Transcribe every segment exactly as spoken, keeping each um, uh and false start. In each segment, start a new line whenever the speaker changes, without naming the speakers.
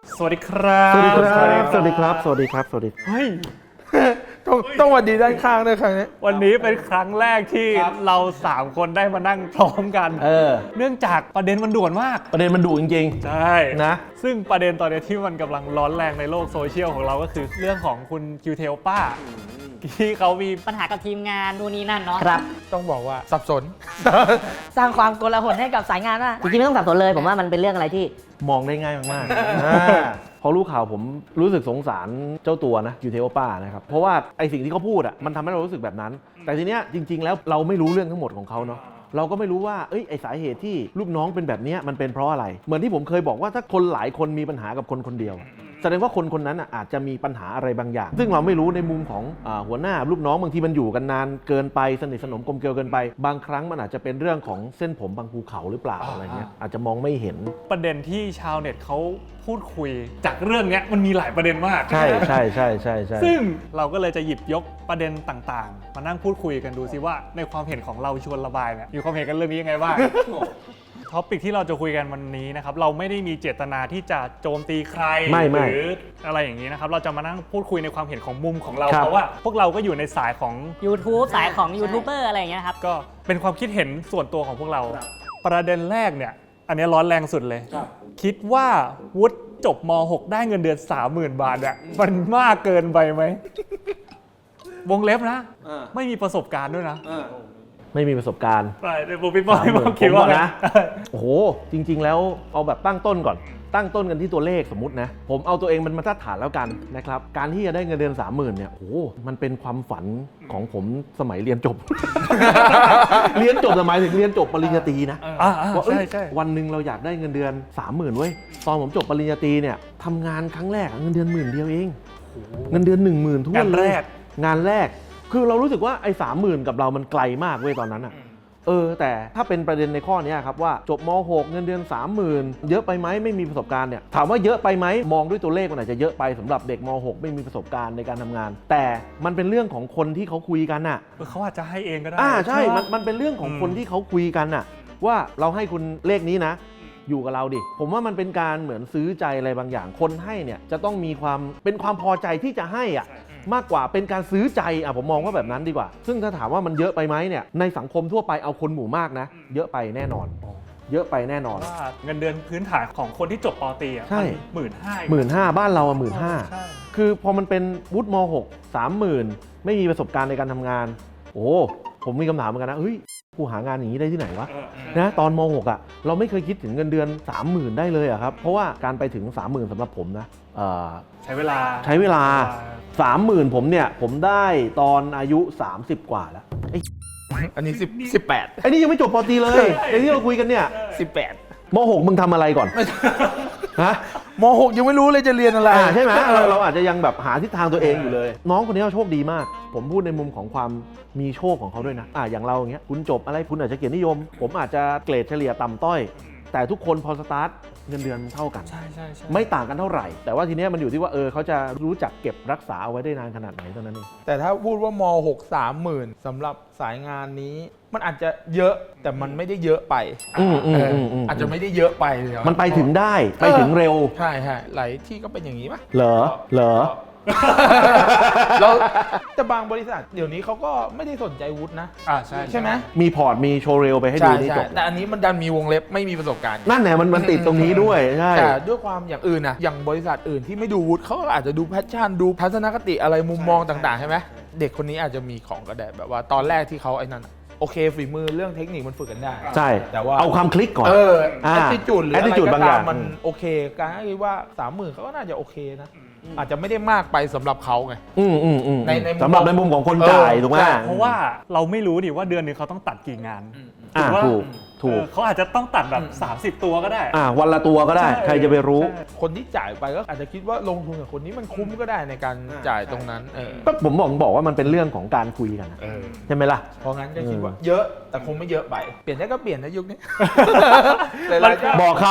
สวัสดีครับ
สวัสดีครับสวัสดีครับสวัสดีครับสวัสดี
เฮ้ย
ต้องต้องวันดีด้านข้างด้วยครั้งนี้
วันนี้เป็นครั้งแรกที่เราสามคนได้มานั่งพร้อมกัน
เออ
เนื่องจากประเด็นมันด่วนมาก
ประเด็นมันดุจริง
ใช่
นะ
ซึ่งประเด็นตอนนี้ที่มันกำลังร้อนแรงในโลกโซเชียลของเราก็คือเรื่องของคุณคิวเทลป้าที่เขามี
ปัญหากับทีมงานนู่นนี่นั่นเนาะ
ครับ
ต้องบอกว่าสับสน
สร้างความโกลาหลให้กับสายงานว่าจริงๆไม่ต้องสับสนเลยผมว่ามันเป็นเรื่องอะไรที่
มองได้ง่ายมากๆอ่าพอรู้ข่าวผมรู้สึกสงสารเจ้าตัวนะยูเทโอป้านะครับเพราะว่าไอสิ่งที่เขาพูดอ่ะมันทำให้เรารู้สึกแบบนั้น แต่ทีเนี้ยจริง ๆ แล้วเราไม่รู้เรื่องทั้งหมดของเขาเนาะเราก็ไม่รู้ว่าเอ้ยไอสาเหตุที่ลูกน้องเป็นแบบนี้มันเป็นเพราะอะไรเหมือนที่ผมเคยบอกว่าถ้าคนหลายคนมีปัญหากับคนคนเดียวแสดงว่าคนคนนั้นอาจจะมีปัญหาอะไรบางอย่างซึ่งเราไม่รู้ในมุมของอ่าหัวหน้าลูกน้องบางทีมันอยู่กันนานเกินไปสนิทสนมกลมเกลียวเกินไปบางครั้งมันอาจจะเป็นเรื่องของเส้นผมบางภูเขาหรือเปล่าอะไรเงี้ยอาจจะมองไม่เห็น
ประเด็นที่ชาวเน็ตเขาพูดคุยจากเรื่องนี้มันมีหลายประเด็นมาก
ใช่ใช่ใช่ใช่ใช่
ซึ่งเราก็เลยจะหยิบยกประเด็นต่างๆ มานั่งพูดคุยกันดูซิว่าในความเห็นของเราชวนระบายเนี่ยมีความเห็นกันเรื่องนี้ยังไงบ้าง ท็อปิกที่เราจะคุยกันวันนี้นะครับเราไม่ได้มีเจตนาที่จะโจมตีใคร
ไม่ไม่
หรืออะไรอย่างนี้นะครับเราจะมานั่งพูดคุยในความเห็นของมุมของเรา
ครับ
เพราะว่าพวกเราก็อยู่ในสายของ
YouTube สายของยูทูบเบอร์อะไรอย่างเงี้ยครับ
ก็เป็นความคิดเห็นส่วนตัวของพวกเรา ประเด็นแรกเนี่ยอันนี้ร้อนแรงสุดเลย คิดว่าวุฒิจบม หก ได้เงินเดือน สามหมื่น บาทอะมันมากเกินไปไหมวงเล็บนะไม่มีประสบการณ์ด้วยนะ
ไม่มีประสบการณ์
ไปเดี๋ยวผมพี่บอยผมคิดว่า
ผม
นะ
นะ โอ้โห จริง ๆ แล้วเอาแบบตั้งต้นก่อน ตั้งต้นกันที่ตัวเลขสมมตินะ ผมเอาตัวเองเป็นมาตรฐานแล้วกันนะครับ การที่จะได้เงินเดือน สามหมื่น เนี่ย โอ้โห มันเป็นความฝันของผมสมัยเรียนจบ เรียนจบหมายถึงเรียนจบปริญญาตรีนะ
อ่าอ่า
ว่าเอ้ย
ใช่ใช่
วันหนึ่งเราอยากได้เงินเดือน สามหมื่น เว้ย ตอนผมจบปริญญาตรีเนี่ยทำงานครั้งแรกเงินเดือนหมื่นเดียวเอง เงินเดือน หนึ่งหมื่น ทั่ว
งาน
เล
แร
ย
ก
งานแรก คือเรารู้สึกว่าไอ้สามหมื่นกับเรามันไกลมากเว้ยตอนนั้นอะเออแต่ถ้าเป็นประเด็นในข้อนี้ครับว่าจบม หก เงินเดือน สามหมื่น เยอะไปไหมไม่มีประสบการณ์เนี่ยถามว่าเยอะไปไหมมองด้วยตัวเลขมันอาจจะเยอะไปสำหรับเด็กม หก ไม่มีประสบการณ์ในการทำงาน แต่มันเป็นเรื่องของคนที่เขาคุยกันน่ะ
เออเขาอาจจะให้เองก็ได้
อ่าใช่
ไห
มันมันเป็นเรื่องของ
อืม
คนที่เขาคุยกันน่ะว่าเราให้คุณเลขนี้นะ อยู่กับเราดิผมว่ามันเป็นการเหมือนซื้อใจอะไรบางอย่างคนให้เนี่ยจะต้องมีความเป็นความพอใจที่จะให้อ่ะมากกว่าเป็นการซื้อใจอ่ะผมมองว่าแบบนั้นดีกว่า ซึ่งถ้าถามว่ามันเยอะไปไหมเนี่ยในสังคมทั่วไปเอาคนหมู่มากนะเยอะไปแน่นอน เยอะไปแน่นอน
ว่าเงินเดือนพื้นฐานของคนที่จบปตรีอ่ะ
ใช่
หมื่นห้า
หมื่นห้าบ้านเราอ่ะหมื่นห้า
ใช่
คือพอมันเป็นวุฒิม หก สามหมื่นไม่มีประสบการณ์ในการทำงานโอ้ผมมีคำถามเหมือนกันนะเฮ้ยกูหางานอย่างนี้ได้ที่ไหนวะ
เออ
นะตอนม หก อ่ะเราไม่เคยคิดถึงเงินเดือน สามหมื่น ได้เลยอะครับเพราะว่าการไปถึง สามหมื่น สำหรับผมนะเอ่อ
ใช้เวลา
ใช้เวลา สามหมื่น ผมเนี่ยผมได้ตอนอายุ สามสิบ กว่าแล้วไอ้
อันนี้สิบสิบแปด
ไอ้นี่ยังไม่จบปตรีเลยไอ้ที่เราคุยกันเนี่ย
สิบแปด
ม หก มึงทำอะไรก่อนฮะ
มหกยังไม่รู้เลยจะเรียนอะไร
อ่าใช่ไหมเออเราอาจจะยังแบบหาทิศทางตัวเองอยู่เลย น้องคนนี้เขาโชคดีมาก ผมพูดในมุมของความมีโชคของเขาด้วยนะอ่าอย่างเราอย่างเงี้ยคุณจบอะไรคุณอาจจะเกียรตินิยม ผมอาจจะเกรดเฉลี่ยต่ำต้อย แต่ทุกคนพอสตาร์ทเงินเดือนเท่ากัน
ใช่ใช่ใช่
ไม่ต่างกันเท่าไหร่ แต่ว่าทีเนี้ยมันอยู่ที่ว่าเออเขาจะรู้จักเก็บรักษาเอาไว้ได้นานขนาดไหนเท่านั้นเอง
แต่ถ้าพูดว่ามหก สามหมื่นสำหรับสายงานนี้ มันอาจจะเยอะแต่มันไม่ได้เยอะไป
อืมอืม
เออ
อืมอืม
อาจจะไม่ได้เยอะไปเลย
มันไปถึงได้ไปถึงเร็ว
ใช่ใช่หลายที่ก็เป็นอย่างนี้ป่ะ
เหรอเหรอ
แล้วแต่บางบริษัทเดี๋ยวนี้เขาก็ไม่ได้สนใจวุฒินะ
อ่าใช่
ใช่ไหม
มีพอร์ตมีโชว์เรลไปให้ดู
ใช่
นี่
ใช่
จบ
แต่อันนี้มันดันมีวงเล็บไม่มีประสบการณ์
นั่นแหละมันมันติดตรงนี้ด้วยใช่
แต่ด้วยความอย่างอื่นนะอย่างบริษัทอื่นที่ไม่ดูวุฒิเขาก็อาจจะดูแพชชั่นดูทัศนคติอะไรมุมมองต่างๆใช่ไหมเด็กคนนี้อาจจะมีของก็ได้แบบว่าตอนแรกที่เขาไอ้นั่นอะโอเคฝีมือเรื่องเทคนิคมันฝึกกันได้
ใช่
แต่ว่า
เอาความคลิกก่อน
เออ
อ่า
แอตติจูดหรืออะไร
attitude
ก็
บางอ
ตา
ย่าม ง
มันโอเคการคิดว่าสามหมื่นเขาก็น่าจะโอเคนะอาจจะไม่ได้มากไปสำหรับเขาไง
อืมอืมอืม
ในในมุม
สำหรับในมุมของคนจ่าย
เออ
ถูกไหม
ใช่
เพราะว่าเราไม่รู้ดิว่าเดือนหนึงเขาต้องตัดกี่งาน
อ่า
ว่า
ถูกถูก
เออเขาอาจจะต้องตัดแบบ สามสิบ ตัวก็ได้
อ่าวันละตัวก็ได้
ใช่
ใครจะไปรู้
ใช่
คนที่จ่ายไปก็อาจจะคิดว่าลงทุนกับคนนี้มันคุ้มก็ได้ในการจ่ายตรงนั้นเออ
ก็ผมบอกบอกว่ามันเป็นเรื่องของการคุยกันนะ
เออ
ใช่ไหมล่ะ
เพราะงั้นก็คิดว่า
เออ
เยอะแต่คงไม่เยอะไป เปลี่ยนได้ก็เปลี่ยนนะยุคนี้ หลายๆเจ้า
บอกเขา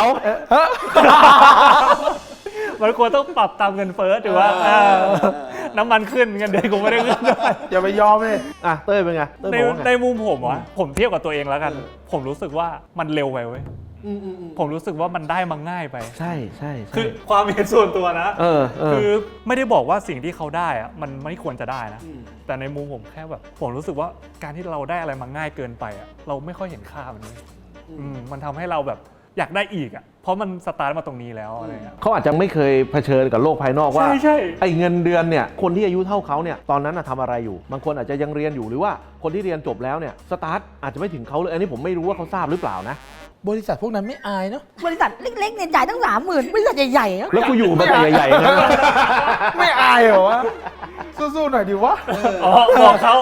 มันควรต้องปรับตามเงินเฟ้อถือว่าเออน้ำมันขึ้นเงินเดือนกูไม่ได้ขึ้นด้วย
อย่าไปยอมเลย
อ่ะเต้ยเป็นไงเต้ย
ใน
บอกว่า
ใน
ไง
มุมผมวะผมเทียบกับตัวเองแล้วกัน ผมรู้สึกว่ามันเร็วไปเว้ยผมรู้สึกว่ามันได้มาง่ายไป
ใช่ใช่ใช่
คือความเห็นส่วนตัวนะ
เออเออ
คือไม่ได้บอกว่าสิ่งที่เขาได้อะมันไม่ควรจะได้นะ แต่ในมุมผมแค่แบบผมรู้สึกว่าการที่เราได้อะไรมาง่ายเกินไปอะเราไม่ค่อยเห็นค่ามันเลยอืมมันทำให้เราแบบอยากได้อีกอะเพราะมันสตาร์ทมาตรงนี้แล้วอะไรเงี้ย
เขาอาจจะไม่เคยเผชิญกับโลกภายนอกว่า
ใช่ใช่
ไอ้เงินเดือนเนี่ยคนที่อายุเท่าเขาเนี่ยตอนนั้นน่ะทำอะไรอยู่บางคนอาจจะยังเรียนอยู่หรือว่าคนที่เรียนจบแล้วเนี่ยสตาร์ทอาจจะไม่ถึงเขาเลยอันนี้ผมไม่รู้ว่าเขาทราบหรือเปล่านะ
บริษัทพวกนั้นไม่อายเนาะ
บริษัทเล็กๆเนี่ยจ่ายตั้งสามหมื่นบริษัทใหญ่ๆนะ
แล้วกูอยู่มาแต่ใหญ่ๆนะ
ไม่อายเหรอวะสู้ๆหน่อยดิวะ
อ๋อบอกเขา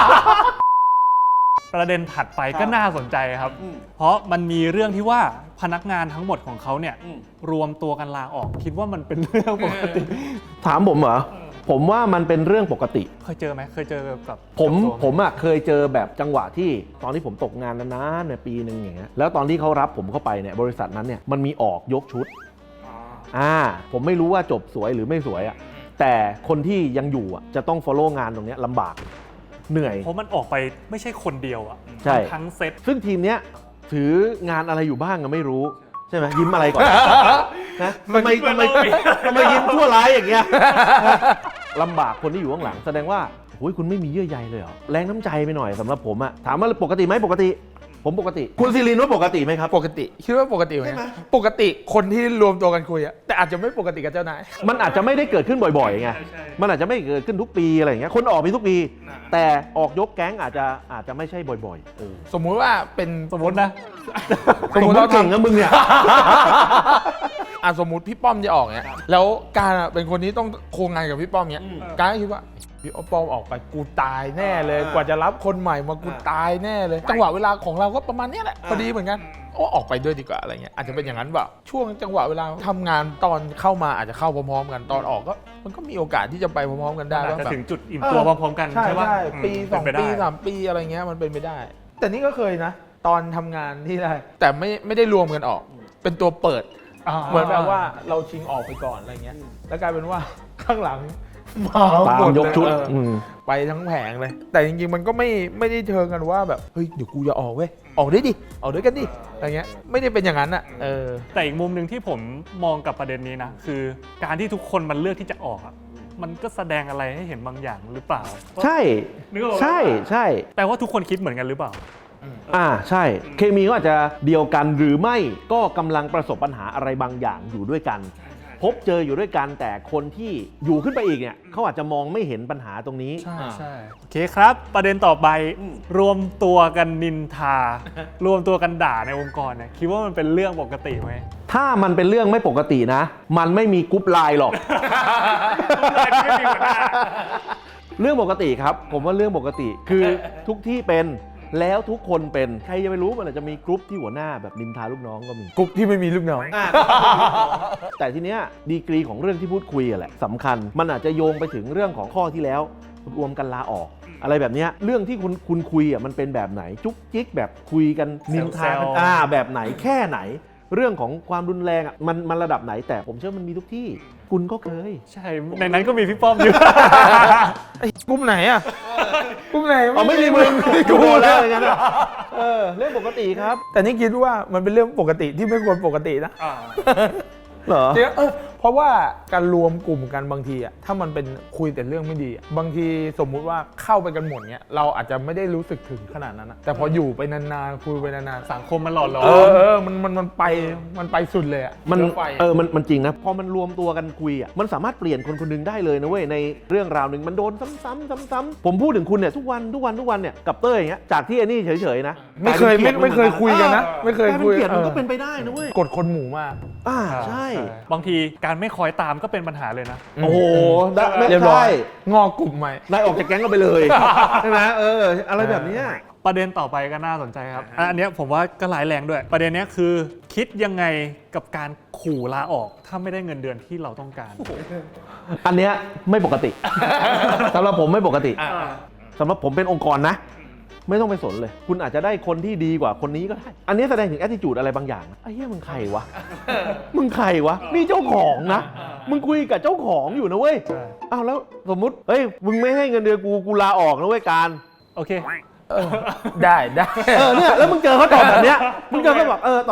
ประเด็นถัดไปก็น่าสนใจครับ เพราะมันมีเรื่องที่ว่าพนักงานทั้งหมดของเขาเนี่ยรวมตัวกันลาออก คิดว่ามันเป็นเรื่องปกติ
ถามผมเหรอผมว่ามันเป็นเรื่องปกติ
เคยเจอไหมเคยเจอกับ
ผม
กับตัว
ผมอ่ะเคยเจอแบบจังหวะที่ตอนที่ผมตกงานนานๆในยปีหนึ่งอย่างเงี้ยแล้วตอนที่เขารับผมเข้าไปเนี่ยบริษัทนั้นเนี่ยมันมีออกยกชุดอ่าผมไม่รู้ว่าจบสวยหรือไม่สวยอ่ะแต่คนที่ยังอยู่อ่ะจะต้อง follow งานตรงเนี้ยลำบากเหนื่อย
เพราะมันออกไปไม่ใช่คนเดียวอะ
ใช่
ทั้งเซต
ซึ่งทีมเนี้ยถืองานอะไรอยู่บ้างก็ไม่รู้ใช่ไหมยิ้มอะไรก่อนนะทำไมทำไมทำไมยิ้มชั่วร้ายอย่างเงี้ยลำบากคนที่อยู่ข้างหลังแสดงว่าโอ้ยคุณไม่มีเยื่อใยเลยเหรอแรงน้ำใจไปหน่อยสำหรับผมอะถามว่าปกติไหมปกติผมปกติคุณซิลินว่าปกติไหมครับ
ปกติคิดว่าปกติไหมปกติคนที่รวมตัวกันคุยอะแต่อาจจะไม่ปกติกับเจ้านาย
มันอาจจะไม่ได้เกิดขึ้นบ่อยๆไงมันอาจจะไม่เกิดขึ้นทุกปีอะไรอย่างเงี้ยคนออกมีทุกปี แต่ออกยกแก๊งอาจจะอาจจะไม่ใช่บ่อยๆเออ
สมมุติว่าเป็น
สมมตินะ
สมมุติเรา
เก่ง
ทำ
นะมึงเนี่ย
อ่ะสมมุติพี่ป้อมจะออกเนี้ยแล้วการอะเป็นคนที่ต้องโครงงานกับพี่ป้อมเนี้ยการก็คิดว่าพี่ป้อมออกไปกูตายแน่เลย กว่าจะรับคนใหม่มากูตายแน่เลย จังหวะเวลาของเราก็ประมาณเนี้ยแหละพอดีเหมือนกันโอ้ออกไปด้วยดีกว่าอะไรเงี้ยอาจจะเป็นอย่างนั้นเปล่าช่วงจังหวะเวลาทำงานตอนเข้ามาอาจจะเข้าพร้อมๆกันตอนออกก็มันก็มีโอกาสที่จะไปพร้อมๆกันได้
อาจ
ว่า
จะ
แบบ
ถึงจุดอิ่มตัวพร้อมๆกัน
ใช่
ใช่ปะ
ใช่
ม
ปีสอง
เป็นไป
ปี
ได้
สามปีอะไรเงี้ยมันเป็นไปได้ แต่นี่ก็เคยนะ ตอนทำงานที่ได้ แต่ไม่ไม่ได้รวมกันออก เป็นตัวเปิด เหมือนแบบว่าเราชิงออกไปก่อนอะไรเงี้ยแล้วกลายเป็นว่าข้างหลังมา
ตาม
หมด
ยกชุด
เอออ
อืม
ไปทั้งแผงเลย แต่จริงๆมันก็ไม่ไม่ได้เชิงกันว่าแบบเฮ้ยเดี๋ยวกูจะออกเว้ยออกได้ดิออกด้วยกันดิอะไรเงี้ยไม่ได้เป็นอย่างนั้นอ่ะเออ
แต่อีกมุมหนึ่งที่ผมมองกับประเด็นนี้นะคือการที่ทุกคนมันเลือกที่จะออกอะมันก็แสดงอะไรให้เห็นบางอย่างหรือเปล่า
ใช่
นึกออกปะ
ใช่ใช่
แต่ว่าทุกคนคิดเหมือนกันหรือเปล่า
อ่าใช่ เคมีก็อาจจะเดียวกันหรือไม่ก็กำลังประสบปัญหาอะไรบางอย่างอยู่ด้วยกัน พบเจออยู่ด้วยกันแต่คนที่อยู่ขึ้นไปอีกเนี่ยเขาอาจจะมองไม่เห็นปัญหาตรงนี้
ใช่ใช่โอเคครับ ประเด็นต่อไปรวมตัวกันนินทา รวมตัวกันด่าในองค์กรเนี่ยคิดว่ามันเป็นเรื่องปกติไหม
ถ้ามันเป็นเรื่องไม่ปกตินะ มันไม่มีกรุ๊ปไลน์หรอก เรื่องปกติครับ ผมว่าเรื่องปกติคือทุกที่เป็นแล้วทุกคนเป็นใครจะไปรู้มันอาจจะมีกรุ๊ปที่หัวหน้าแบบนินทาลูกน้องก็มี
กลุ่มที่ไม่มีลูกน้อง
แต่ทีเนี้ยดีกรีของเรื่องที่พูดคุยอะแหละสำคัญมันอาจจะโยงไปถึงเรื่องของข้อที่แล้วรวมกันลาออก อะไรแบบเนี้ยเรื่องที่คุณคุณคุยอ่ะมันเป็นแบบไหนจุกจิกแบบคุยกันนินทากันอ่าแบบไหนแค่ไหน เรื่องของความรุนแรงอ่ะมันมันระดับไหนแต่ผมเชื่อมันมีทุกที่คุณก็เคย
ใช่ ในนั้นก็มีพี่ป้อมอยู่
ไอ้กลุ่มไหนอ่ะกลุ่มไหน
อ๋อไม่มีมึงกูแล้วอย่างนั้นอะเออเรื่องปกติครับ
แต่นี่คิดว่ามันเป็นเรื่องปกติที่ไม่ควรปกตินะ
เหรอ
จริงๆเออเพราะว่าการรวมกลุ่มกันบางทีอ่ะถ้ามันเป็นคุยแต่เรื่องไม่ดีอะบางทีสมมุติว่าเข้าไปกันหมดเนี้ยเราอาจจะไม่ได้รู้สึกถึงขนาดนั้นอะแต่พออยู่ไปนานๆคุยไปนานๆ
สังคมมันหล่อหลอ
เอ
ม
อเออมันมันมันไปมันไปสุดเลยอ่ะ
มัน
เชื้อไฟ
เออมันมันจริงนะพอมันรวมตัวกันคุยอ่ะมันสามารถเปลี่ยนคนคนหนึงได้เลยนะเว้ยในเรื่องราวหนึ่งมันโดนซ้ำๆซ้ำๆผมพูดถึงคุณเนี่ยทุกวันทุกวันทุกวันเนี่ยกับเต้ยอย่างเงี้ยจากที่ไอ้นี่เฉยๆนะ
ไม่เคยไม่ไม่เคยคุยกันนะไม่เคย
กลายเป็น
คุย
เกลียดมัน
เออ
ก็เป็นไปได้นะเว้ย
กดคนหมู่มาก
อ่าใช่
บางทีการไม่คอยตามก็เป็นปัญหาเลยนะ
โอ้โหได้ไม่
เรียบร้อ
ใช่
ยงอกลุ่มใหม่
นายออกจากแก๊งก็ไปเลย ใช่ไหมเอออะไรแบบเนี้ย
ประเด็นต่อไปก็น่าสนใจครับ อันเนี้ยผมว่าก็ร้ายแรงด้วย ประเด็นเนี้ยคือคิดยังไงกับการขู่ลาออกถ้าไม่ได้เงินเดือนที่เราต้องการ
อันเนี้ยไม่ปกติสำหรับผมไม่ปกติสำหรับผมเป็นองค์กรนะ ไม่ต้องไปสนเลย คุณอาจจะได้คนที่ดีกว่าคนนี้ก็ได้ อันนี้แสดงถึง attitude อะไรบางอย่างนะไอ้เหี้ยมึงใครวะ มึงใครวะ นี่เจ้าของนะ มึงคุยกับเจ้าของอยู่นะเว้ย
ใช่
อ้าวแล้วสมมุติเฮ้ย มึงไม่ให้เงินเดือนกู กูลาออกนะเว้ยการ
โอเค
ได้ได้
เออเนี่ยแล้วมึงเจอเขาตอบแบบเนี้ย มึงเจอเขาบอกเออตอบ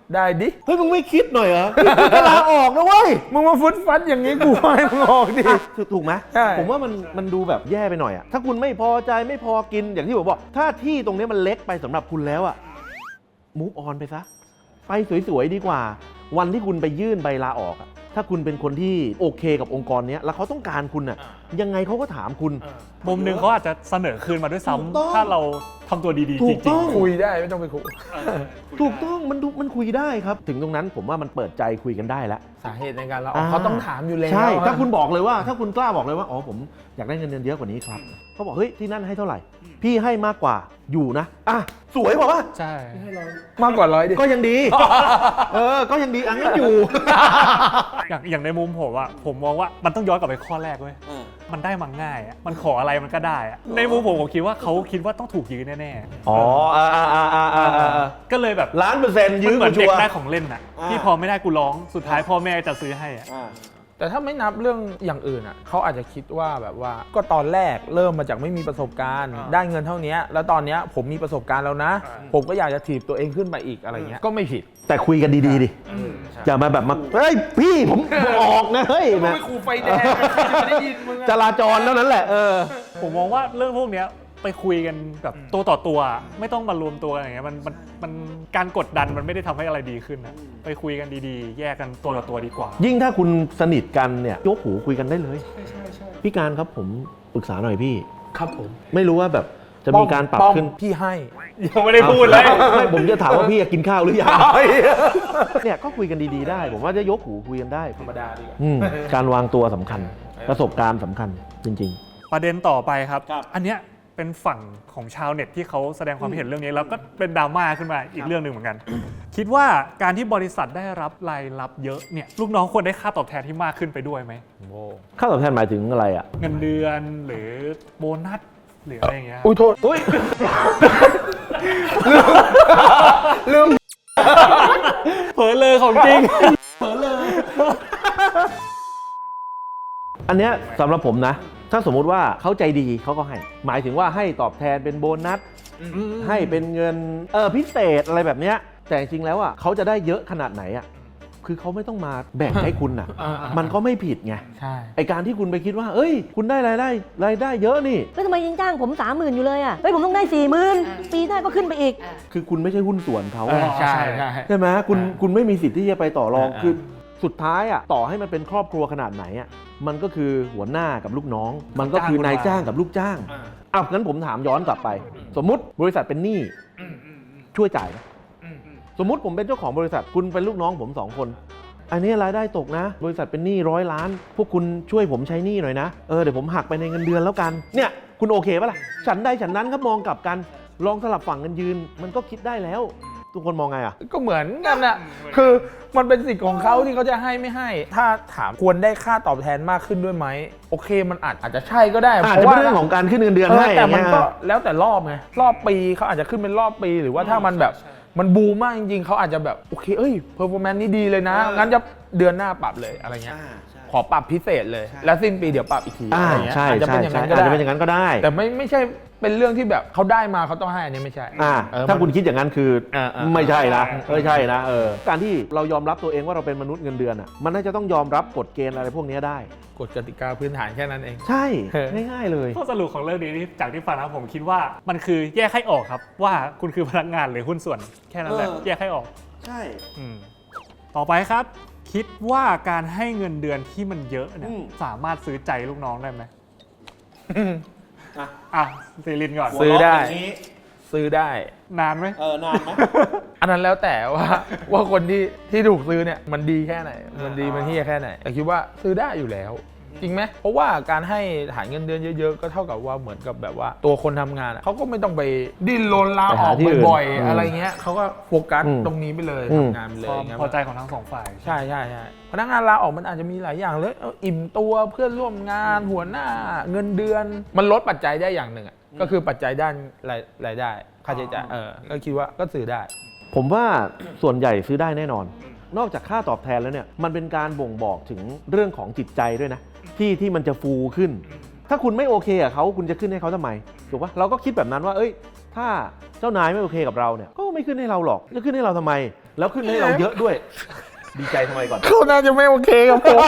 ได้ดิ
เฮ้ยมึงไม่คิดหน่อยเหรอคิดจะลาออกนะเว้ย
มึงมาฟุดฟัดอย่างนี้กูให้มึงออกดิ
ถูกไหม
ใช่
ผมว่ามันมันดูแบบแย่ไปหน่อยอะถ้าคุณไม่พอใจไม่พอกินอย่างที่ผมบอกถ้าที่ตรงนี้มันเล็กไปสำหรับคุณแล้วอะมูฟออนไปซะไปสวยๆดีกว่า วันที่คุณไปยื่นใบลาออกอะถ้าคุณเป็นคนที่โอเคกับองค์กรนี้แล้วเขาต้องการคุณอะยังไงเขาก็ถามคุณ
มุมหนึ่งเขาอาจจะเสนอคืนมาด้วย
ถูกต้อง
ซ้ำถ้าเราทำตัวดีๆ
ถู
จ
กต้
ริง
อง
คุยได้ไม่ต้องไปคุย
ถูกต้องมันดูมันคุยได้ครับ ถึงตรงนั้นผมว่ามันเปิดใจคุยกันได้แล้ว
สาเหตุในการเราออกเขาต้องถามอยู่แล้ว
ใช่
อะ
ถ้าคุณบอกเลยว่าถ้าคุณกล้าบอกเลยว่าอ๋อผมอยากได้เงินเดือนเยอะกว่านี้ครับเขาบอกเฮ้ยที่นั่นให้เท่าไหร่ พี่ให้มากกว่าอยู่นะอ่ะสวยกว่าป่ะ
ๆ ใช่
มากกว่าร้อยดิ
ก็ยังดี เออก็ยังดีอันนั้นอยู่
อย่างอย่างในมุมผมอะผมมองว่ามันต้องย้อนกลับไปข้อแรกเว้ยมันได้มาง่ายอะมันขออะไรมันก็ได้อะในมุมผมผมคิดว่าเขาคิดว่าต้องถูกยื้อแน่ๆ
อ๋ออ่าอ่าอ่าอ่าอ่า
ก็เลยแบบ
ล้านเปอร์เซ็นต์
มัน
ยื้อ
เหมื
กู
อน
ชั
เด็
ว
ก
ร์
ได้ของเล่นอะ
อ่า
ที่พอไม่ได้กูร้องสุดท้ายพ่อแม่จะซื้อให้อะ
อ่า
แต่ถ้าไม่นับเรื่องอย่างอื่นอ่ะเขาอาจจะคิดว่าแบบว่าก็ตอนแรกเริ่มมาจากไม่มีประสบการณ์ ได้เงินเท่านี้แล้วตอนเนี้ยผมมีประสบการณ์แล้วนะ ผมก็อยากจะถีบตัวเองขึ้นไปอีกอะไรเงี้ยก็ไม่ผิด
แต่คุยกันดีๆดิอย่ามาแบบมาเฮ้ยพี่ผมออกนะเฮ้ย
มึง
นะ
ไม่ขู่ไฟแดงจะได้ยินมึง
จราจรเท่านั้นแหละเออ
ผมมองว่าเรื่องพวกเนี้ยไปคุยกันแบบตัวต่อตัวอะไม่ต้องมารวมตัวกันอย่างเงี้ยมันมันมันการกดดันมันไม่ได้ทำให้อะไรดีขึ้นนะไปคุยกันดีๆ แยกกันตัวต่อตัวดีกว่า
ยิ่งถ้าคุณสนิทกันเนี่ยยกหูคุยกันได้เลยพี่การครับผมปรึกษาหน่อยพี่
ครับผม
ไม่รู้ว่าแบบจะมีการปรับ
ป้อม
ขึ้น
พี่ให้
ยังไม่ได้พูดเลย
ไม่ผมจะถามว่าพี่กินข้าวหรือยังเนี่ยก็คุยกันดีๆได้ ผมว่าจะยกหูคุยกันได้
ธรรมดาดีกว่า
อืมการวางตัวสำคัญ ประสบการณ์สำคัญจริง
ประเด็นต่อไปครับ อันเนี้ยเป็นฝั่งของชาวเน็ตที่เขาแสดงความเห็นเรื่องนี้แล้วก็เป็นดราม่าขึ้นมาอีกเรื่องหนึ่งเหมือนกัน คิดว่าการที่บริษัทได้รับรายรับเยอะเนี่ยลูกน้องควรได้ค่าตอบแทนที่มากขึ้นไปด้วยไหม
ๆ ค่าตอบแทนหมายถึงอะไรอ่ะ
เงินเดือนหรือโบนัสหรืออะไรอย่างเงี้ย
อุ้ยโทษอุ้ยลืม
เผลอเลยของจริง
อันเนี้ยสำหรับผมนะ ถ้าสมมุติว่าเขาใจดีเขาก็ให้ หมายถึงว่าให้ตอบแทนเป็นโบนัส ให้เป็นเงินเออพิเศษอะไรแบบเนี้ยแต่จริงๆแล้วอ่ะเขาจะได้เยอะขนาดไหนอ่ะคือเขาไม่ต้องมาแบ่งให้คุณอ่ะ
อ่าๆ
มันก็ไม่ผิดไง
ใช่
ไอการที่คุณไปคิดว่า เอ้ย คุณได้รายได้รายได้เยอะนี่
เฮ้ยทำไมยังจ้างผมสามหมื่นอยู่เลยอ่ะเฮ้ยผมต้องได้สี่หมื่นปีหน้าก็ขึ้นไปอีก
คือคุณไม่ใช่หุ้นส่วนเขา
เออ
ไง
ใช่ใช่
ใช่ไหมคุณ
อ่า
คุณไม่มีสิทธิ์ที่จะไปต่อรอง
อ่า
คือสุดท้ายอ่ะต่อให้มันเป็นครอบครัวขนาดไหนอ่ะมันก็คือหัวหน้ากับลูกน้อง มันก็คือนายจ้างกับลูกจ้างอ้าวงั้นผมถามย้อนกลับไป สมมุติบริษัทเป็นหนี้ช่วยจ่ายไหมสมมุติผมเป็นเจ้าของบริษัทคุณเป็นลูกน้องผมสองคน อันนี้รายได้ตกนะ บริษัทเป็นหนี้ร้อยล้าน พวกคุณช่วยผมใช้หนี้หน่อยนะ เออเดี๋ยวผมหักไปในเงินเดือนแล้วกัน เนี่ยคุณโอเคปะล่ะ ฉันใดฉันนั้นครับมองกลับกัน ลองสลับฝั่งกันยืน มันก็คิดได้แล้ว ทุกคนมองไงอ่ะ
ก็เหมือนกันน่ะคือมันเป็นสิทธิ์ของเขาที่เขาจะให้ไม่ให้ ถ้าถามควรได้ค่าตอบแทนมากขึ้นด้วยไหมโอเคมันอาจอาจจะใช่ก็ได้
อาจจะเป็นเรื่องของการขึ้นเงินเดือน
เออ
ให้
แต่มันก็
อย่างเงี้ย
แล้วแต่รอบไงรอบปีเขาอาจจะขึ้นเป็นรอบปีหรือว่าถ้ามันแบบมันบูมมากจริงๆเขาอาจจะแบบโอเคเอ้ยเพอร์ฟอร์แมนซ์นี้ดีเลยนะงั้นจะเดือนหน้าปรับเลยอะไรเงี้ยขอปรับพิเศษเลย แล้วสิ้นปีเดี๋ยวปรับอีกที
อ่า
อะไรเงี้ย
ใช่
อาจจะ
ใช่
เป็นอย่าง
ใช่
นั้นก็
อาจ
ได้
จะเป็นอย่างนั้นก็ได้
แต่ไม่ไม่ใช่เป็นเรื่องที่แบบเขาได้มาเขาต้องให้อันนี้ไม่ใช่
อ่า
เออ
ถ้า
มัน
คุณคิดอย่างนั้นคือ
อ่าอ่า
ไม่ใช่นะไม่ใช่นะเออการที่เรายอมรับตัวเองว่าเราเป็นมนุษย์เงินเดือนอ่ะมันน่าจะต้องยอมรับกฎเกณฑ์อะไรพวกนี้ได้
กฎกติกาพื้นฐานแค่นั้นเอง
ใช่
เออ
ง่ายๆเลย
ข้อสรุปของเรื่องนี้ที่จากที่ฟังนะผมคิดว่ามันคือแยกให้ออกครับ ว่าคุณคือพนักงานหรือหุ้นส่วนแค่นั้นแหละ
เออ
แยกให้ออก
ใช่
อืมต่อไปครับ คิดว่าการให้เงินเดือนที่มันเยอะเนี่ยสามารถซื้อใจลูกน้องได้ไหมอ่ะซีรินก่อน
ซื้อได้ ซื้อได้
นานไหม
เออนานไหม
อันนั้นแล้วแต่ว่า ว่าคนที่ที่ถูกซื้อเนี่ยมันดีแค่ไหน มันดีมันเฮียแค่ไหนแต่คิดว่าซื้อได้อยู่แล้ว จริงไหมเพราะว่าการให้ฐานเงินเดือนเยอะๆก็เท่ากับว่าเหมือนกับแบบว่าตัวคนทำงานอะเขาก็ไม่ต้องไปดิ้นรนลาออกบ่อยๆอะไรเงี้ยเขาก็โฟกัสตรงนี้ไปเลยทำงานไปเลย
ความ
อย่างเงี้ย
พอใจของทั้งสองฝ่าย
ใช่ใช่ใช่พนักงานลาออกมันอาจจะมีหลายอย่างเลยเอออิ่มตัวเพื่อนร่วมงานหัวหน้าเงินเดือนมันลดปัจจัยได้อย่างหนึ่งอะก็คือปัจจัยด้านรายรายได้ค่าใช้จ่ายเออก็คิดว่าก็ซื้อได้
ผมว่าส่วนใหญ่ซื้อได้แน่นอน นอกจากค่าตอบแทนแล้วเนี่ยมันเป็นการบ่งบอกถึงเรื่องของจิตใจด้วยนะที่ที่มันจะฟูขึ้น ถ้าคุณไม่โอเคกับเขาคุณจะขึ้นให้เขาทำไมถูกปะเราก็คิดแบบนั้นว่าเอ้ยถ้าเจ้านายไม่โอเคกับเราเนี่ยก็ไม่ขึ้นให้เราหรอกจะขึ้นให้เราทำไม แล้วขึ้นให้เราเยอะด้วย ดีใจทำไมก่อน
เขาน่าจะไม่โอเคกับผม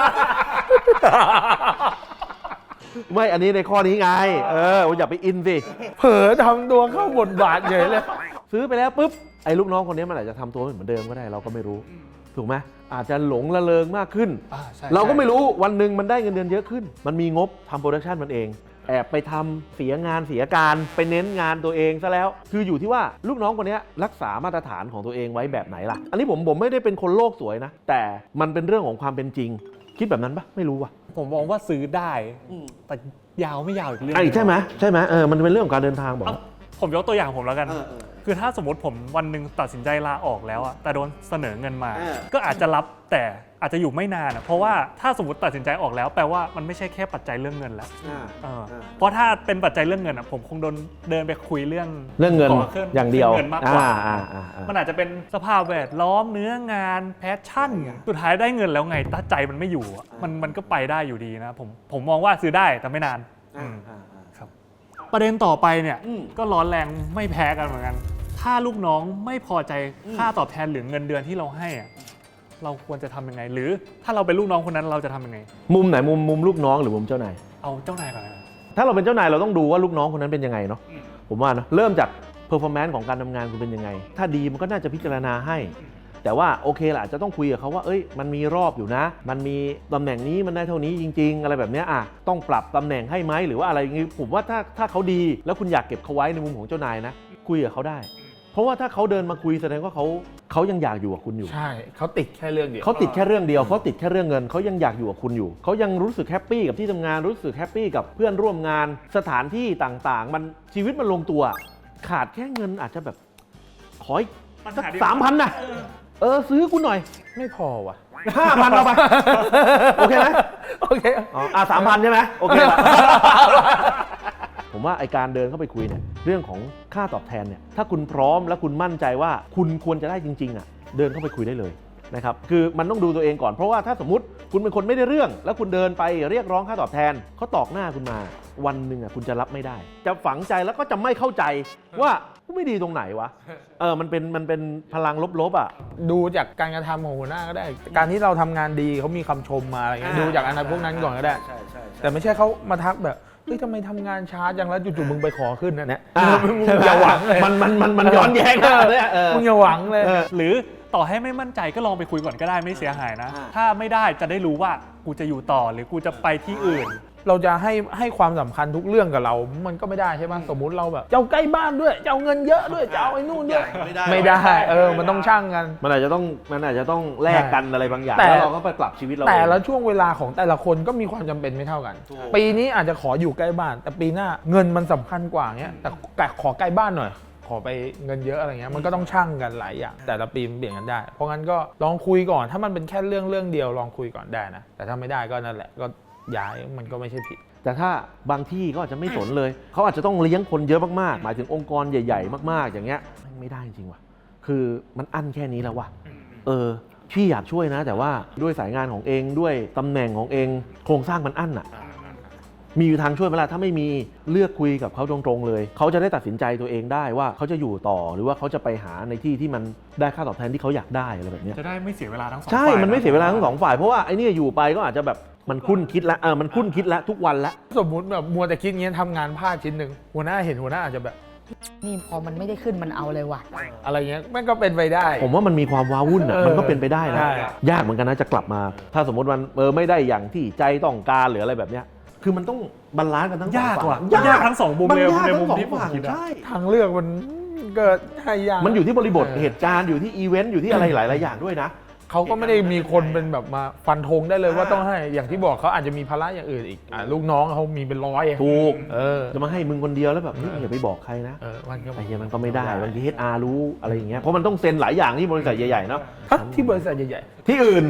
ไม่อันนี้ในข้อนี้ไงเอออย่าไปอินสิ
เผลอทำตัวเข้าบทบาทเฉยเลย
ซื้อไปแล้วปุ๊บไอ้ลูกน้องคนนี้มันอาจจะทำตัวไม่เหมือนเดิมก็ได้เราก็ไม่รู้ถูกไหมอาจจะหลงละเลงมากขึ้น
อ่าใช่
เราก็ไม่
ใช่
รู้วันหนึ่งมันได้เงินเดือนเยอะขึ้น มันมีงบทำโปรดักชันมันเองแอบไปทำเสียงานเสียการไปเน้นงานตัวเองซะแล้วคืออยู่ที่ว่าลูกน้องคนนี้รักษามาตรฐานของตัวเองไว้แบบไหนล่ะอันนี้ผมผมไม่ได้เป็นคนโลกสวยนะแต่มันเป็นเรื่องของความเป็นจริง คิดแบบนั้นปะไม่รู้ว่ะ
ผมมองว่าซื้อได้แต่ยาวไม่ยาวอีกเรื่อง
ไอ้ใช่ไหมใช่ไหมเออมันเป็นเรื่องของการเดินทางบอก
เอ้าผมยกตัวอย่างผมแล้วกัน คือถ้าสมมติผมวันหนึ่งตัดสินใจลาออกแล้วอะแต่โดนเสนอเงินมา ก็อาจจะรับแต่อาจจะอยู่ไม่นานอะเพราะว่าถ้าสมมติตัดสินใจออกแล้วแปลว่ามันไม่ใช่แค่ปัจจัยเรื่องเงินแล้วเออเพราะถ้าเป็นปัจจัยเรื่องเงินอะผมคงโดนเดินไปคุยเรื่อง
เรื่องเงิน
ขขึ้
อย่างเดียว
เงินมากกว่า
อ่าอ่าอ่า
มันอาจจะเป็นสภาพแวดล้อมเนื้องานแพชชั่นสุดท้ายได้เงินแล้วไงถ้าใจมันไม่อยู่อะมันมันก็ไปได้อยู่ดีนะผมผมมองว่าซื้อได้แต่ไม่นานอืมครับประเด็นต่อไปเนี่ยก็ร้อนแรงไม่แพ้กันเหมือนกันถ้าลูกน้องไม่พอใจค่าตอบแทนหรือเงินเดือนที่เราให้อะเราควรจะทำยังไง หรือถ้าเราเป็นลูกน้องคนนั้นเราจะทำยังไง
มุมไหนมุมมุมลูกน้องหรือมุมเจ้านาย
เอาเจ้านายก่อนนะ
ถ้าเราเป็นเจ้านายเราต้องดูว่าลูกน้องคนนั้นเป็นยังไงเนาะผมว่านะเริ่มจาก performance ของการทำงานคุณเป็นยังไง ถ้าดีมันก็น่าจะพิจารณาให้ แต่ว่าโอเคละอาจจะต้องคุยกับเขาว่าเอ้ยมันมีรอบอยู่นะ มันมีตำแหน่งนี้มันได้เท่านี้จริง ๆ อะไรแบบเนี้ยอ่ะต้องปรับตำแหน่งให้ไหมหรือว่าอะไรอย่างงี้ผมว่าถ้าถ้าเขาดีแล้วคุณอยากเก็บเขาไว้ในมุมของเจ้านายนะคุยกับเขาได้ เพราะว่าถ้าเขาเดินมาคุยแสดงว่าเขาเขายังอยากอยู่กับคุณอยู่
ใช่เขาติดแค่เรื่องเดียว
เขาติดแค่เรื่องเดียวเขาติดแค่เรื่องเงินเขายังอยากอยู่กับคุณอยู่เขายังรู้สึกแฮปปี้กับที่ทำงานรู้สึกแฮปปี้กับเพื่อนร่วมงานสถานที่ต่างๆ มันชีวิตมันลงตัว ขาดแค่เงินอาจจะแบบขออีกสักสามพันนะเออซื้อคุณหน่อย
ไม่พอว่ะ
ห้าพันเอาไปโอเคไหม
โอเค
อ๋ออ่ะสามพันใช่ไหมโอเคละ ผมว่าไอการเดินเข้าไปคุยเนี่ยเรื่องของค่าตอบแทนเนี่ยถ้าคุณพร้อมและคุณมั่นใจว่าคุณควรจะได้จริงๆอ่ะเดินเข้าไปคุยได้เลยนะครับคือมันต้องดูตัวเองก่อนเพราะว่าถ้าสมมติคุณเป็นคนไม่ได้เรื่อง แล้วคุณเดินไปเรียกร้องค่าตอบแทนเขาตอกหน้าคุณมาวันหนึ่งอ่ะคุณจะรับไม่ได้ จะฝังใจแล้วก็จะไม่เข้าใจว่าไม่ดีตรงไหนวะเออมันเป็นมันเป็นพลังลบๆอ่ะ
ดูจากการกระทำของหัวหน้าก็ได้ การที่เราทำงานดีเขามีคำชมมาอะไรเงี้ยดูจากอันนั้นพวกนั้นก่อนก็ได้แต่ไม่ใช่เขามาทักแบบเฮ้ยทำไมทำงานช้าจังแล้วจู่ๆมึงไปขอขึ้นนะเนี่ย
อ่า
มึงอย่าหวังเลย
มันมันมันมันย้อนแย้งนะเนี่ยเออ
มึงอย่าหวังเลย
หรือต่อให้ไม่มั่นใจก็ลองไปคุยก่อนก็ได้ไม่เสียหายนะ ถ้าไม่ได้จะได้รู้ว่ากูจะอยู่ต่อหรือกูจะไปที่อื่น
เราจะให้ให้ความสำคัญทุกเรื่องกับเรา มันก็ไม่ได้ใช่ไหมสมมุติเราแบบเจ้าใกล้บ้านด้วยเจ้าเงินเยอะด้วยเจ้าไอ้นู่นด้วย
ไม่ได้
ไม่ได้เออมันต้องช่างกัน
มันอาจจะต้องมันอาจจะต้องแลกกันอะไรบางอย่าง
แต่
แล้วเราก็ไปปรับชีวิตเรา
แต่
เอง
ละช่วงเวลาของแต่ละคนก็มีความจำเป็นไม่เท่ากัน ปีนี้อาจจะขออยู่ใกล้บ้าน แต่ปีหน้าเงินมันสำคัญกว่าเงี้ยแต่แต่ขอใกล้บ้านหน่อยขอไปเงินเยอะอะไรเงี้ยมันก็ต้องช่างกันหลายอย่างแต่ละปีมันเปลี่ยนกันได้ เพราะงั้นก็ลองคุยก่อนถ้ามันเป็นแค่เรื่องเรื่องเดียวลองคุยก่อนได้นะแต่ถ้าไม่ได้ก็นั่นแหละก็ย้ายมันก็ไม่ใช่ผิด
แต่ถ้าบางที่ก็อาจจะไม่สนเลย เขาอาจจะต้องเลี้ยงคนเยอะมากๆ หมายถึงองค์กรใหญ่ๆ มากๆ อย่างเงี้ยไม่ได้จริงว่ะ คือมันอั้นแค่นี้แล้วว่ะ เออ พี่อยากช่วยนะ แต่ว่าด้วยสายงานของเองด้วยตำแหน่งของเองโครงสร้างมันอั้นอ่ะ มีอยู่ทางช่วยไหมล่ะถ้าไม่มีเลือกคุยกับเขาตรงๆเลย เขาจะได้ตัดสินใจตัวเองได้ว่าเขาจะอยู่ต่อหรือว่าเขาจะไปหาในที่ที่มันได้ค่าตอบแทนที่เขาอยากได้อะไรแบบเนี้ย
จะได้ไม่เสียเวลาทั้งสอง
ใช่
ฝ่าย
มันไม่เสียเวลาทั้งสองฝ่ายเพราะว่าไอ้นี่อยู่ไปก็อาจจะแบบมันคุ้นคิดแล้วเออมันคุ้นคิดแล้วทุกวันแล้ว
สมมุติแบบมัวแต่คิดเงี้ยทำงานพลาดชิ้นหนึ่งหัวหน้าเห็นหัวหน้าอาจจะแบบ
นี่พอมันไม่ได้ขึ้นมันเอาเลยว่ะ
อะไรเงี้ยมันก็เป็นไปได้
ผมว่ามันมีความว้าวุ่นอ่ะ
เออ
มันก็เป็นไปได้นะ
ใช่
ยากเหมือนกันนะจะกลับมา ถ้าสมมติมันเออไม่ได้อย่างที่ใจต้องการหรืออะไรแบบเนี้ยคือมันต้องบาลานซ์กันทั้งสอง
ยาก
ฝั่ง
ว่ะยากทั้งสองมุม
มัน
เลย
ยาก
ใน
ทั้
มุม
งสอง
ที่ผม
ฝั่ง
คิดอะ
ใช่
ทางเลือกมันเกิดให้ยาก
มันอยู่ที่บริบท
เออ
เหตุการณ์อยู่ที่อีเวนต์อยู่ที่อะไรหลายๆอย่างด้วยนะ
เขาก็ไม่ได้มีคนเป็นแบบมาฟันธงได้เลยว่าต้องให้อย่างที่บอกเขาอาจจะมีภาระอย่างอื่นอีกอ่ะลูกน้องเขามีเป็นร้อย
ถูก
เออ
จะมาให้มึงคนเดียวแล้วแบบเฮ้ยอย่าไปบอกใครนะ
เออมันก็
ไอ้เหี้ยมันก็ไม่ได้บางที เอช อาร์ รู้อะไรอย่างเงี้ยเพราะมันต้องเซ็นหลายอย่างที่บริษัทใหญ่ๆเนาะ
ฮะที่บริษัทใหญ่
ที่อื่น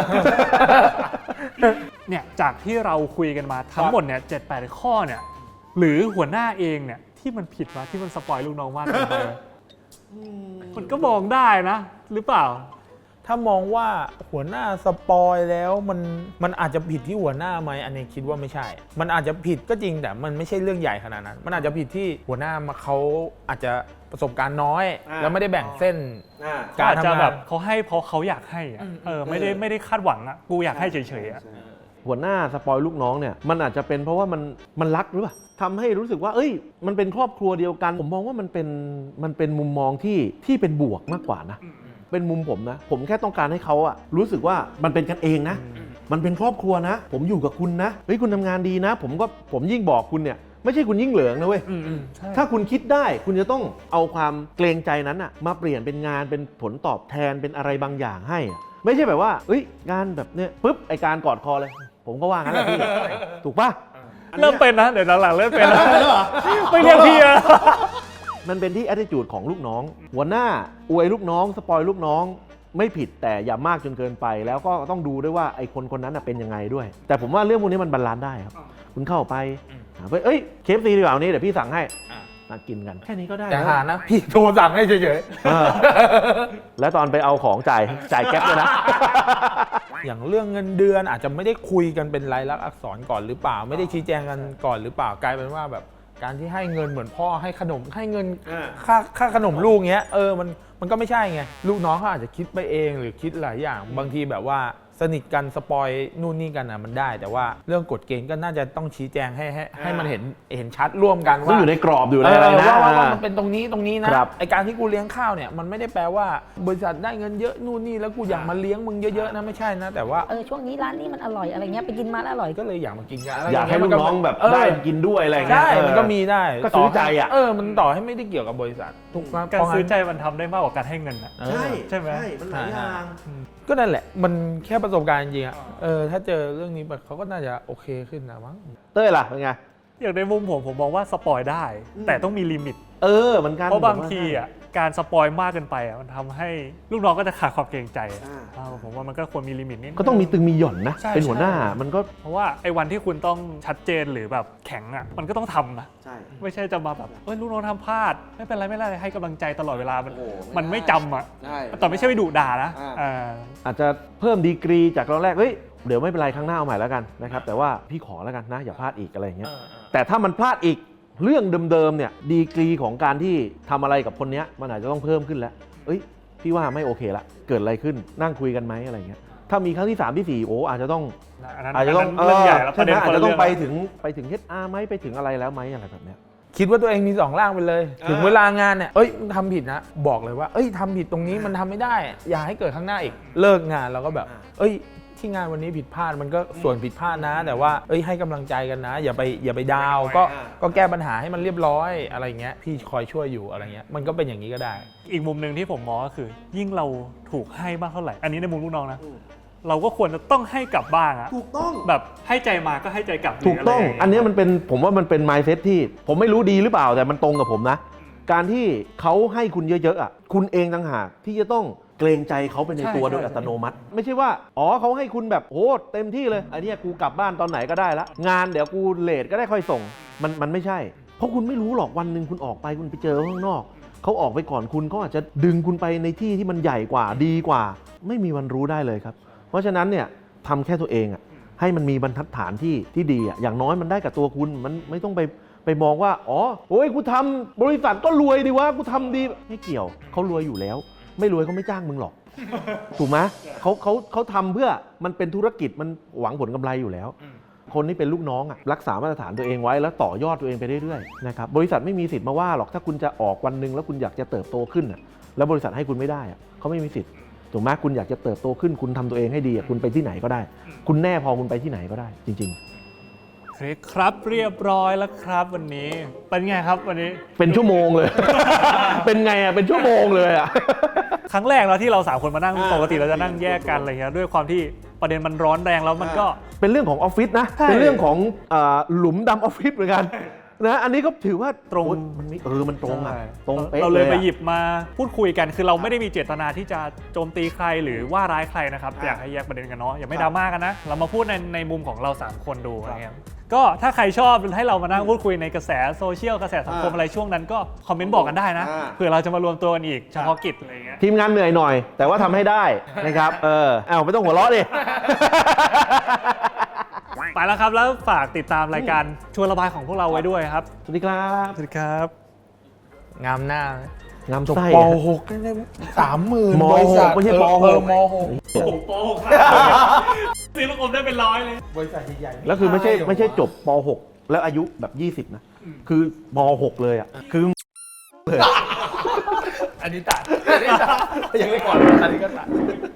เนี่ยจากที่เราคุยกันมาทั้งหมดเนี่ยเจ็ดแปดข้อเนี่ยหรือหัวหน้าเองเนี่ยที่มันผิดมาที่มันสปอยลูกน้องมากเกินไปมันก็มองได้นะ หรือเปล่า
ถ้ามองว่าหัวหน้าสปอยแล้วมันมันอาจจะผิดที่หัวหน้าไหมอันนี้คิดว่าไม่ใช่ มันอาจจะผิดก็จริงแต่มันไม่ใช่เรื่องใหญ่ขนาดนั้น มันอาจจะผิดที่หัวหน้ามาเขาอาจจะประสบการณ์น้อย แล้วไม่ได้แบ่งเส้น
ก็
การ
อาจจะ
ทำ
แบ
งาน
บเขาให้เพราะเขาอยากให้อะเออไม่ได้ไม่ได้คาดหวังอะกูอยากให้เฉยๆอะ
หัวหน้าสปอยลูกน้องเนี่ยมันอาจจะเป็นเพราะว่ามันมันรักหรือเปล่าทำให้รู้สึกว่าเอ้ยมันเป็นครอบครัวเดียวกันผมมองว่ามันเป็นมันเป็นมุมมองที่ที่เป็นบวกมากกว่านะเป็นมุมผมนะผมแค่ต้องการให้เขาอะรู้สึกว่ามันเป็นกันเองนะมันเป็นครอบครัวนะ ผมอยู่กับคุณนะเฮ้ยคุณทำงานดีนะ ผมก็ผมยิ่งบอกคุณเนี่ยไม่ใช่คุณยิ่งเหลืองนะเว้ยถ้าคุณคิดได้คุณจะต้องเอาความเกรงใจนั้นอะมาเปลี่ยนเป็นงานเป็นผลตอบแทนเป็นอะไรบางอย่างให้อะไม่ใช่แบบว่าเอ้ยงานแบบเนี้ยปุ๊บไอการกอดคอเลยผมก็ว่างั้นแหละพี่ ถูกป่ะ
เริ่มเป็นนะเดี๋ยวหลังๆเริ่มเป็นนะไม่เรียกพี่อะ
มันเป็นที่ attitude ของลูกน้อง หัวหน้าอวยลูกน้องสปอยลูกน้องไม่ผิดแต่อย่ามากจนเกินไป แล้วก็ต้องดูด้วยว่าไอ้คนคนนั้นเป็นยังไงด้วย แต่ผมว่าเรื่องพวกนี้มันบาลานซ์ได้ครับคุณเข้าไปหาไปเอ้ยเคฟซีดีกว่าวันนี้เดี๋ยวพี่สั่งให้มากินกันแค่นี้ก็ได้
แต่
แล้ว
หานะพี่โทรสั่งให้เฉย
เออแล้วตอนไปเอาของจ่ายจ่ายแก๊ปด้วยนะ
ๆ อย่างเรื่องเงินเดือนอาจจะไม่ได้คุยกันเป็นลายลักษณ์อักษรก่อนหรือเปล่า ไม่ได้ชี้แจงกันก่อนหรือเปล่ากลายเป็นว่าแบบการที่ให้เงินเหมือนพ่อให้ขนมให้เงินค่าค่าขนมลูกเงี้ยเออมันมันก็ไม่ใช่ไงลูกน้องเขาอาจจะคิดไปเองหรือคิดหลายอย่างบางทีแบบว่าสนิทกันสปอยนู่นนี่กันอ่ะมันได้ แต่ว่าเรื่องกฎเกณฑ์ก็น่าจะต้องชี้แจงให้ให้ให้มันเห็นเห็นชัดร่วมกัน
ต้อง
ว่า
อยู่ในกรอบอยู่
เอ
ในอะไร
อ
นะ
ว่าว่าว่ามันเป็นตรงนี้ตรงนี้นะครับ ไอการที่กูเลี้ยงข้าวเนี่ยมันไม่ได้แปลว่าบริษัทได้เงินเยอะนู่นนี่แล้วกูอยากมาเลี้ยงมึงเยอะๆนะไม่ใช่นะแต่ว่า
เออช่วงนี้ร้านนี้มันอร่อยอะไรเงี้ยไปกินมาแล้วอร่อยก็
ก็เลยอยากมากินกันอะไร
อยากให้ลูกน้องแบบ
เออ
ได้กินด้วยอะไรอย่างเงี้ย
ใช่มันก็มีได้
ก็ซื้อใจอ่ะ
เออมันต่อให้ไม่ได้เกี่ยวกับบริษัทถูกไหม
การซื้อใจมันทำได้มากกว่าการให้เงินอะ
เออ
ใช่ไหม
มันหลายอย่าง
ก็นั่นแหละมันแค่ประสบการณ์จริงๆอะเออถ้าเจอเรื่องนี้แบบเขาก็น่าจะโอเคขึ้นนะมั้ง
เต้ยล่ะเป็นไง
อย่างในมุมผมผมมองว่าสปอยได้ แต่ต้องมีลิมิต
เออเหมือนกัน
เพราะบางทีอ่ะการสปอยมากเกินไปอ่ะมันทำให้ลูกน้องก็จะขาดความเกรงใจอะเออผมว่ามันก็ควรมีลิมิตนิดนึง
ก็ต้องมีตึงมีหย่อนนะ
ใช่
เป็นหัวหน้า
ใช่
มันก็
เพราะว่าไอ้วันที่คุณต้องชัดเจนหรือแบบแข็งอ่ะมันก็ต้องทำนะ
ใช่
ไม่ใช่จะมาแบบเอ้ยลูกน้องทำพลาดไม่เป็นไรไม่เป็นไรให้กำลังใจตลอดเวลามัน
โอ้โห
มันไม่จำอ่ะ
ใช่
แต่ไม่ใช่ไปดุด่านะ
อ่า
อ่า
อาจจะเพิ่มดีกรีจากตอนแรกเฮ้ยเดี๋ยวไม่เป็นไรครั้งหน้าเอาใหม่แล้วกันนะครับแต่ว่าพี่ขอแล้วกันนะอย่าพลาดอีกอะไรอย่างเงี้ยแต่ถ้ามันพลาดอีกเรื่องเดิมๆเนี่ยดีกรีของการที่ทำอะไรกับคนเนี้ยมันอาจจะต้องเพิ่มขึ้นแล้วเอ้ยพี่ว่าไม่โอเคละเกิดอะไรขึ้นนั่งคุยกันไหมอะไรเงี้ยถ้ามีครั้งที่สามที่สี่โอ้อาจจะต้อง
อันนั้น
อาจจะต้อง
นนั้นเรื่องใหญ่แล้ว
ใช่
ประ
ไหม
เด็น
อา
ค
จ
นละ
จะต้อง
เรื่อง
ไป
แล้ว
ถึงไปถึง เอช อาร์ ไหมไปถึงอะไรแล้วไหมอะไรแบบเนี้ย
คิดว่าตัวเองมีสองร่างไปเลย ถึงเวลางานเนี่ยเอ้ยทำผิดนะบอกเลยว่าเอ้ยทำผิดตรงนี้มันทำไม่ได้ อย่าให้เกิดข้างหน้าอีกเลิกงานเราก็แบบ เอ้ยที่งานวันนี้ผิดพลาดมันก็ส่วนผิดพลาดนะ แต่ว่าเอ้ยให้กำลังใจกันนะ อย่าไปอย่าไปดาวก็ก็แก้ปัญหาให้มันเรียบร้อยอะไรเงี้ยพี่คอยช่วยอยู่อะไรเงี้ยมันก็เป็นอย่างนี้ก็ได้
อีกมุมหนึ่งที่ผมมองก็คือ ยิ่งเราถูกให้มากเท่าไหร่ อันนี้ในมุมลูกน้องนะ เราก็ควรจะต้องให้กลับบ้างอะ
ถูกต้อง
แบบให้ใจมาก็ให้ใจกลับ
ถูกต้อง
หรืะไรย่าเย
อันเนี้ยมันเป็นผมว่ามันเป็น mindset ที่ผมไม่รู้ดีหรือเปล่าแต่มันตรงกับผมนะ การที่เขาให้คุณเยอะๆอ่ะคุณเองต่างหากที่จะต้องเกรงใจเขาไปในตัวโดยอัตโนมัติ ไม่ใช่ว่าอ๋อเขาให้คุณแบบโอ้เต็มที่เลยอันเนี้ยกูกลับบ้านตอนไหนก็ได้ละงานเดี๋ยวกูเลทก็ได้ค่อยส่งมันมันไม่ใช่ เพราะคุณไม่รู้หรอกวันหนึ่งคุณออกไปคุณไปเจอข้างนอกเขาออกไปก่อนคุณเขาอาจจะดึงคุณไปในที่ที่มันใหญ่กว่าดีกว่า ไม่มีวันรู้ได้เลยครับ เพราะฉะนั้นเนี่ยทำแค่ตัวเองอ่ะให้มันมีบรรทัดฐานที่ที่ดีอ่ะอย่างน้อยมันได้กับตัวคุณมันไม่ต้องไปไปมองว่าอ๋อโอ้ยกูทำบริษัทก็รวยดีวะกูทำดีไม่เกี่ยวเขารวยอยู่แล้ว ไม่รวยเขาไม่จ้างมึงหรอก ถูกไหมเขาเขาเขาทำเพื่อมันเป็นธุรกิจมันหวังผลกำไรอยู่แล้ว คนที่เป็นลูกน้องอ่ะรักษามาตรฐานตัวเองไว้แล้วต่อยอดตัวเองไปเรื่อยๆนะครับบริษัทไม่มีสิทธิ์มาว่าหรอกถ้าคุณจะออกวันหนึ่งแล้วคุณอยากจะเติบโตขึ้นอ่ะแล้วบริษัทให้คุณไม่ได้อ่ะเขาไม่มีสิทธิ์ถูกไหมคุณอยากจะเติบโตขึ้นคุณทำตัวเองให้ดีอ่ะคุณไปที่ไหนก็ได้ คุณแน่พอคุณไปที่ไหนก็ได้ จริง
โอเคครับเรียบร้อยแล้วครับวันนี้เป็นไงครับวันนี้
ๆ เป็นชั่วโมงเลย เป็นไงอ่ะเป็นชั่วโมงเลยอ่ะ
ครั้งแรกแล้วที่เราสามคนมานั่งปกติเราจะนั่งแยกกันอะไรเงี้ยด้วยความที่ประเด็นมันร้อนแรงแล้วมันก็
เป็นเรื่องของออฟฟิศนะ
ใช่
เป็นเรื่องของอ่าหลุมดำออฟฟิศเหมือนกันนะอันนี้ก็ถือว่า
ตรง
โอ๊ยมันมีเออมันตรงอ่ะ
ใช่
ตรงเป๊ะ
เราเลย
อะ
ไปหยิบมาพูดคุยกันคือเราไม่ได้มีเจตนาที่จะโจมตีใครหรือว่าร้ายใครนะครับอยากให้แยกประเด็นกันเนาะอย่าไม่ดราม่ากันนะเรามาพูดในในมุมของเราสามคนดูอะไรเงี้ยก็ถ้าใครชอบให้เรามานั่งพูดคุยในกระแสโซเชียลกระแสสังคม
อ่า
อะไรช่วงนั้นก็คอมเมนต์บอกกันได้นะ
อ่า
เผื่อเราจะมารวมตัวกันอีกเฉพาะกิจอะไรอย่างเงี้ย
ทีมงานเหนื่อยหน่อย แต่ว่าทำให้ได้นะครับ เออเอาไม่ต้องหัวเราะดิ
ไปแล้วครับแล้วฝากติดตามรายการชวนระบายของพวกเราไว้ด้วยครับ
สวัสดีครับ
สวัสดีครับ
งามหน้าไหม
งาม
จบ
ไส้
ป .หก ได้ไหมสามหมื่น
ม
บริษัท
ไม่ใช่
เออ
ป
เออ
หก
ม .หก
โอ้โหโป๊กซื้อลูกอมได้เป็นร้อยเลย
บริษัทใหญ่ๆ
แล้วคือไม่ใช่ไม่ใช่จบป .หก แล้วอายุแบบ ยี่สิบ นะ คือม .หก เลยอ่ะ คือ
อันนี้ตัดอันนี้ตัดยังไม่ก่อนอันนี้ก็ตัด